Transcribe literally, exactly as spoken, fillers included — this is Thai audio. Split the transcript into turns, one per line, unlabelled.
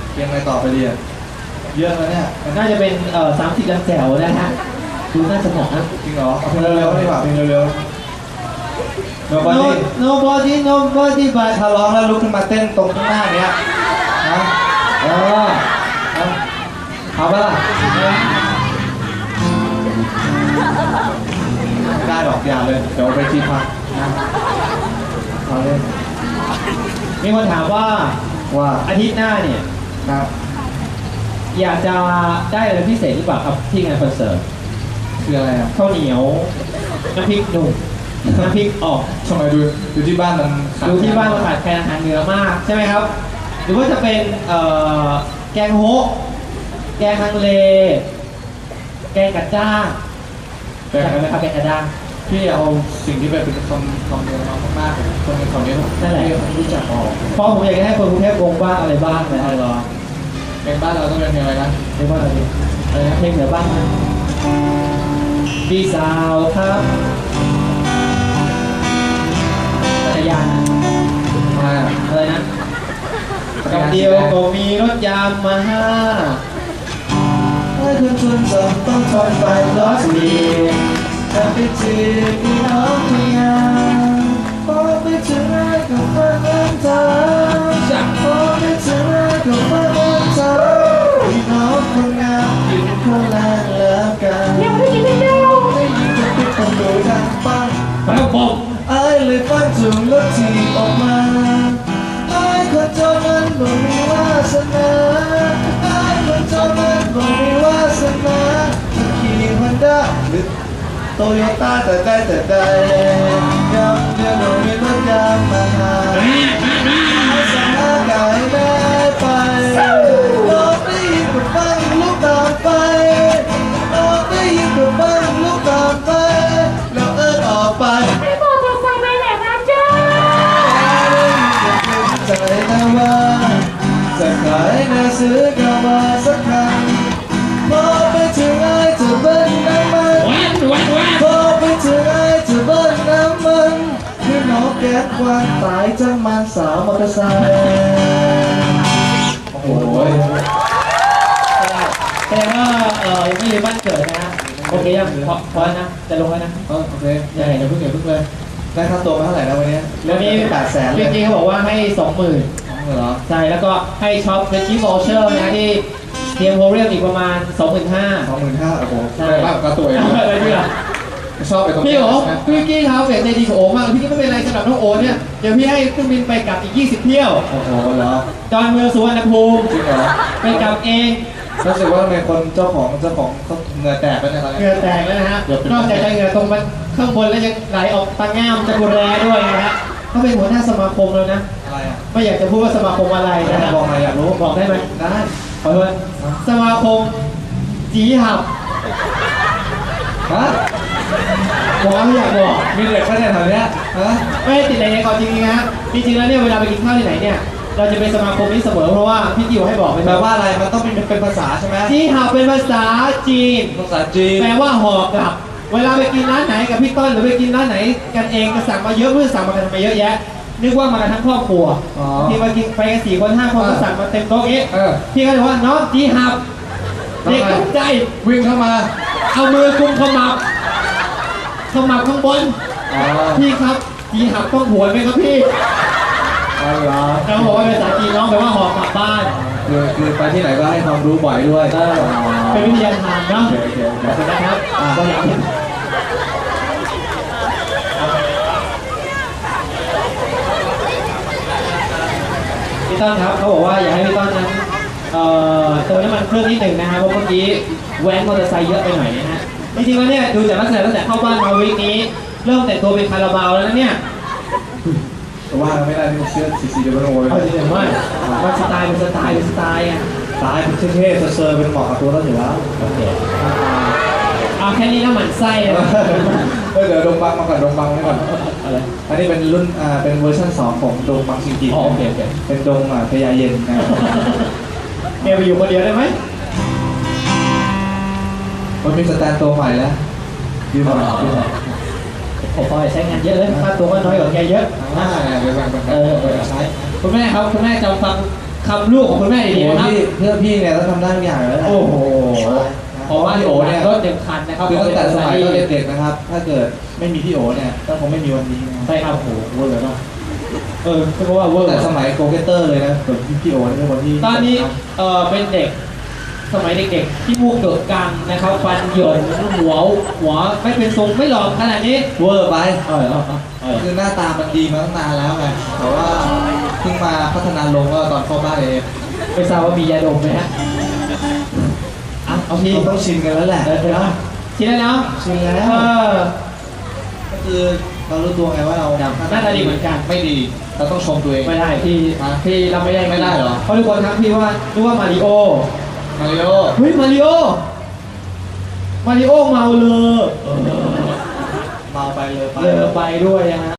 ยังไงต่อไปดีอ่ะเยอะแล้วเนี่ย
น่าจะเป็นเอ่อสามสิบลังแจ๋วนะฮะดูน่าสนุกนะ
จริงเหรอเอาเพลงเร็วๆดีกว่าเพลงเร็วๆ
nobody nobody nobody but
ถ้าร้องแล้วลุกขึ้นมาเต้นตรงข้างหน้าเนี้ยนะ
เออเอาปะล่ะ
ไม่ได้ดอกยาเลยเดี๋ยวไปที่พักนะเอาเล่น
มีคนถามว่า
ว่า
อาทิตย์หน้าเนี่ย
ครับ
อยากจะได้อะไรพิเศษหรือเปล่าครับที่งานคอนเสิร์ต
คืออะไรอ่ะ
ข้าวเหนียวน้ำพริกหนุ่มน้ำพริกออก
ทำไมดูดูที่บ้านมัน
ดูที่บ้านมันขาดแคลนอาหารเหนือมากใช่ไหมครับหรือว่าจะเป็นเอ่อแกงโฮะแกงฮังเลแกงกัดจ้างแกงอะไรไหมครับแกงกัดจ้าง
พี่เอาสิ่งที่เป็นคำคำเดียวมากๆคนในคำนี้
นั่นแหละ
ไม่รู้จักออก
เพราะผมอยากจะให้คนกรุงเทพวงบ้างอะไรบ้างนะ
เหรอเป็นบ้านเราต้องเป็นเพลงอะไรนะ
เพลงว่าอะไรอะไรนะเพลงเหนือบ้างนะพี่สาวครับจักรยาน
อะไรอ่ะ
อะไรนะกับเดียวก็มีรถยามมาห้าให้คุณชวนจำต้องทนไปร้อยปีจะไปจีบพี่น้องเมียพอไปถึงไหนก็ฟังเงินเธอพอไปถึงไหนก็ฟังเงินเธอพี่น้องคนงามอยู่คนละแล้วกันยังไม่กินไม่ได้ได้ยินจะปิดประตูทางบ้านแล้วผมไอ้เลยฟังถึงรถที่ออกมาไอ้คนเจ้านั้นบ่มีวาสนาไอ้คนเจ้านั้นบ่มีวาสนาจะขี่ฮอนด้าหรือโตโยต้าแต่ได้แต่ได้ยังเดียวโดนมีรถยางมาหาสาหากายได้ไปลองได้ยินกับฟังลูกตามไปลองได้ยินกับฟังลูกตามไปแล้วเอิ้นออกไป
ไม่บอกจะใส่ไปไหนนะจ๊ะ
ใจนะว่าจะขายนาซื้อกลับมาสักครั้งพอไปถึงไอ้จะเบิ้ลน้ำมันพอไปถึงไอ้จะเบิ้ลน้ำมันคือน้องแก๊สควันตายจังมันสาวมอเตอร์ไซค์โอ้โหแสดงว่าเออยังไม่ลืมบ้านเกิดนะฮะโอเคยังพอพอนะจะลงแล้วนะ
เออโอเค
ยังไงเดี๋ยวเพิ่งเดี๋ยวเพิ่งเลย
ได้ค่าตัวมาเท่าไหร่นะวันนี้
วันนี้
แปดแสน
จริงๆเขาบอกว่าให้สองหมื่น
เหรอ
ใช่แล้วก็ให้ช็อปเป็นชิปวอลเชอร์นะที่เทียมโฮเรียมอีกประมาณสองหมื่นห้า
สองหมื่นห้าโอ้โหได้มากกว่าตัวเอง
อะไรพี่ล่ะ
ชอบไปตรงนี้
พี่โอ๋พี่กี้ครับเสียใจดีกับโอ๋มากพี่กี้ไม่เป็นไรสำหรับน้องโอ๋เนี่ยเดี๋ยวพี่ให้เครื่องบินไปกลับอีกยี่สิบเที่ยว
โอ้โหเหรอ
จอนเมืองสุวรรณภูมิ
จริงเหรอ
ไปกลับเอง
รู้สึกว่าทำไมคนเจ้าของเจ้าของเขาเหงื่อแตกไปเนี่ย
เหงื่อแตกแล้วนะฮะนอกจากจะเหงื่อตรงมันข้างบนแล้วยังไหลออกตาง่ามจะกุแรด้วยนะฮะเขาเป็นหัวหน้าสมาคมแล้วนะ
อะไรอ่ะ
ไม่อยากจะพูดว่าสมาคมอะไรนะ
บอกมาอยากรู้
บอกได้ไหม
ได้
ขอโทษสมาคมจีหับ
ฮะ
บอกไม่อยากบอก
มีเด็กแค่ไหนแถวเนี้ยฮะ
ไม่ติดอะไรในก่อนจริงๆนะจริงๆแล้วเนี่ยเวลาไปกินข้าวที่ไหนเนี่ยเราจะเป็นสมาคมนี้เสมอเพราะว่าพี่จิ๋วให้บอกไป
แปลว่าอะไรมันต้องเป็นเป็นภาษาใช่ไหม
จีหับเป็นภาษาจีน
ภาษาจีน
แปลว่าหอกกลับเวลาไปกินร้านไหนกับพี่ต้นหรือไปกินร้านไหนกันเองก็สั่งมาเยอะเพื่อสั่งมากันทำไมเยอะแยะนึกว่ามากันทั้งครอบครัวที่มากินไปกันสี่คนห้าคนก็สั่งมาเต็มโต๊ะเอ๊ะพี่ก็เลยว่าน้องจีหับเด็กตกใจ
วิ่งเข้ามา
เอามือกุมขมับขมับข้างบนพี่ครับจีหับต้องหวนไหมครับพี่
อ๋อเหรอ
เขาบอกว่าเป็นภาษาจีนน้องแปลว่าหอกกลับบ้าน
คือคือไปที่ไหนก็ให้ความรู้บ่อยด้วย
เป็นวิทยาทานเนาะขอบคุณนะครับก็อยากพี่ต้นครับเขาบอกว่าอยากให้พี่ต้นนั้นเอ่อเติมน้ำมันเครื่องนิดหนึ่งนะครับเพราะเมื่อกี้แว้นมอเตอร์ไซค์เยอะไปหน่อยนะฮะจริงๆแล้วเนี่ยดูจากลักษณะตั้งแต่เข้าบ้านมาวีคนี้เริ่มแต่งตัวเป็นคาราบาวแล้วนะเนี่ย
แต่ว่าไม่ได้ที่เชื่อซีซีเดบิวต์โอ้ย
เอาจริงๆว่ามันสไตล์เป็นสไตล์เป็นสไตล์อ่ะ
สไตล์เป็นเท่ๆเซอร์ๆเป็นเหมาะกับตัวเราอยู่แล้ว
โอเคเอาแค่นี้แล้วหมั่นไส้เลย
เดี๋ยวดงบังมาก่อนดงบังนี่ก่อน
อะไร
อันนี้เป็นรุ่นอ่าเป็นเวอร์ชันสองของดงบังจริงๆ
อ๋อโอเคโอเค
เป็นดงอ่าพญาเย็นนะ
เมียไปอยู่คนเดียวได้ไหม
มันมีสแตนตัวใหม่แล้วยืมมายืมมา
ผมพอใช้งานเยอะเลยค่าตัวก็น้อยกว่าแกเยอะ
อ่าเดี๋ยวแบ่งๆ
เออใช้คุณแม่ครับคุณแม่จะฟังค
คำลูกของคุณแม่
โอ้
ดี
โห
ๆนะครับ
พี่เพื่อนพี่เนี่ยต้องทำได้ทุกอย่างเลยนะ
โอ้โห
เพราะว่าพี่โอเนี่ย
รถเต็มคันนะครับ
คือตั้งแต่สมัยตอนเด็กๆนะครับ ถ้าเกิดไม่มีพี่โอเนี่ยก็คงไม่มีวันนี้นะ
ใช่ครับโอ้โหเวอร์เนาะเออเพราะว่าเวอร์
แต่สมัยโกเกเตอร์เลยนะส่วนพี่โอนี่เป็นคนที่
ตอนนี้เออเป็นเด็กสมัยเด็กๆที่มูกเกิดกังนะครับฟันเหยินหัวหัวไม่เป็นทรงไม่หลอกขนาดนี้
เวอร์ไป
เออเออเออ
คือหน้าตามันดีมาตั้งนานแล้วไงแต่ว่าเพิ่งมาพัฒนาลงก็ตอนเข้าบ้านเอง
ไม่ทราบว่ามียาดมไหมฮะอ่ะเอาที
เราต้องชินกันแล้วแหละ
เออเดี๋ยวนะทีแล้วเนาะ
ชินแล้ว
เออ
ก็คือเรารู้ตัวไงว่าเรา
หน้าตาดีเหมือนกัน
ไม่ดีเราต้องชมตัวเอง
ไม่ได้พี่
ฮะ
พี่เราไม่ได้
ไม่ได้เหรอ
เพราะทุกคนทักพี่ว่านึกว่ามาริโอ
มาริโอ
เฮ้ยมาริโอมาริโอเมาเลย
เมาไปเลยไป
เลอไปด้วยนะฮะ